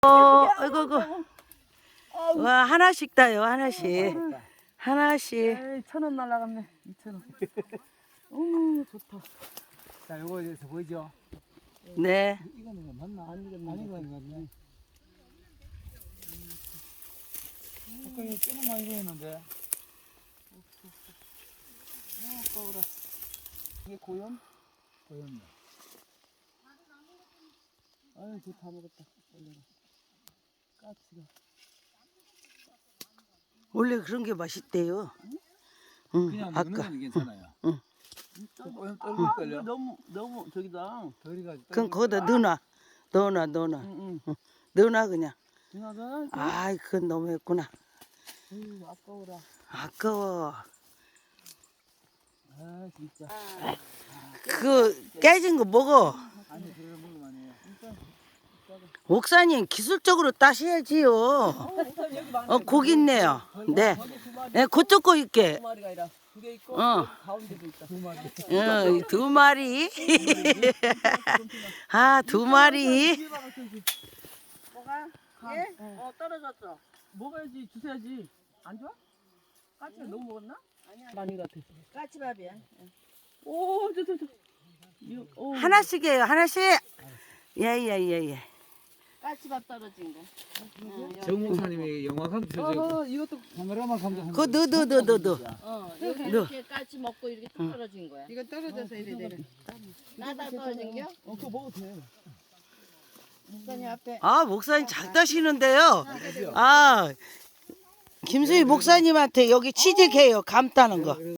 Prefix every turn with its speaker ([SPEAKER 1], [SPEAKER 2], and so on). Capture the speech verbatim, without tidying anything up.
[SPEAKER 1] 어, 아이고, 아이고. 와, 하나씩 따요, 하나씩. 하나씩.
[SPEAKER 2] 에이, 천 원 날라갔네. 이천 원. 오, 좋다.
[SPEAKER 3] 자, 요거 여기서 보이죠?
[SPEAKER 1] 네.
[SPEAKER 3] 이거는 맞나? 아닌 거 아닌 거 같네. 아까 이거 꽤나 많이 보였는데.
[SPEAKER 2] 아까워라. 이게 고염?
[SPEAKER 3] 보였네.
[SPEAKER 2] 아유, 저다 먹었다. 올려라. 까치가.
[SPEAKER 1] 원래 그런 게 맛있대요. 응,
[SPEAKER 3] 그냥 먹는
[SPEAKER 1] 아까.
[SPEAKER 3] 건 괜찮아요.
[SPEAKER 1] 응.
[SPEAKER 3] 조금
[SPEAKER 2] 아,
[SPEAKER 3] 떨릴걸요?
[SPEAKER 2] 이거 너무, 너무 저기다.
[SPEAKER 3] 덜이가지고.
[SPEAKER 1] 그럼 거기다 넣어놔. 넣어놔, 넣어놔.
[SPEAKER 2] 응, 응.
[SPEAKER 1] 넣어놔, 그냥.
[SPEAKER 2] 누나가?
[SPEAKER 1] 아이, 그건 너무 했구나.
[SPEAKER 2] 에이, 아까워라.
[SPEAKER 1] 아까워.
[SPEAKER 2] 아, 진짜.
[SPEAKER 1] 그 깨진 거 먹어.
[SPEAKER 3] 아니, 그래 먹으면 안 해요.
[SPEAKER 1] 옥사님 기술적으로 따셔야지요. 어, 고기 있네요. 네. 네, 그쪽 거 있게.
[SPEAKER 2] 두 마리가 아니라 두 개 있고
[SPEAKER 1] 어.
[SPEAKER 2] 가운데도 있다. 두 마리.
[SPEAKER 1] 어, 두 마리. 아, 두 마리.
[SPEAKER 2] 뭐가? 예? 어, 떨어졌어. 먹어야지, 주셔야지. 안 좋아? 까치가 너무 먹었나? 아니야. 많이 같아.
[SPEAKER 4] 까치밥이야.
[SPEAKER 2] 오, 저, 저, 저. 이거, 오.
[SPEAKER 1] 하나씩이에요, 하나씩. 예, 예, 예, 예.
[SPEAKER 4] 까치밥 떨어진 거.
[SPEAKER 3] 정 목사님이 영화 감독
[SPEAKER 2] 아, 이것도
[SPEAKER 3] 카메라만 감독한
[SPEAKER 1] 그거 넣어, 넣어, 넣어, 넣어, 넣어.
[SPEAKER 4] 어, 여기
[SPEAKER 1] 너.
[SPEAKER 4] 이렇게 까치 먹고 이렇게 뚝 떨어진 거야.
[SPEAKER 2] 이거 떨어져서 이래 되네.
[SPEAKER 4] 나다 떨어진 겨?
[SPEAKER 2] 어, 그거 먹어도 돼.
[SPEAKER 4] 목사님 앞에.
[SPEAKER 1] 아, 목사님 잘 따시는데요. 아, 김수희 목사님한테 여기 취직해요, 감 따는 거.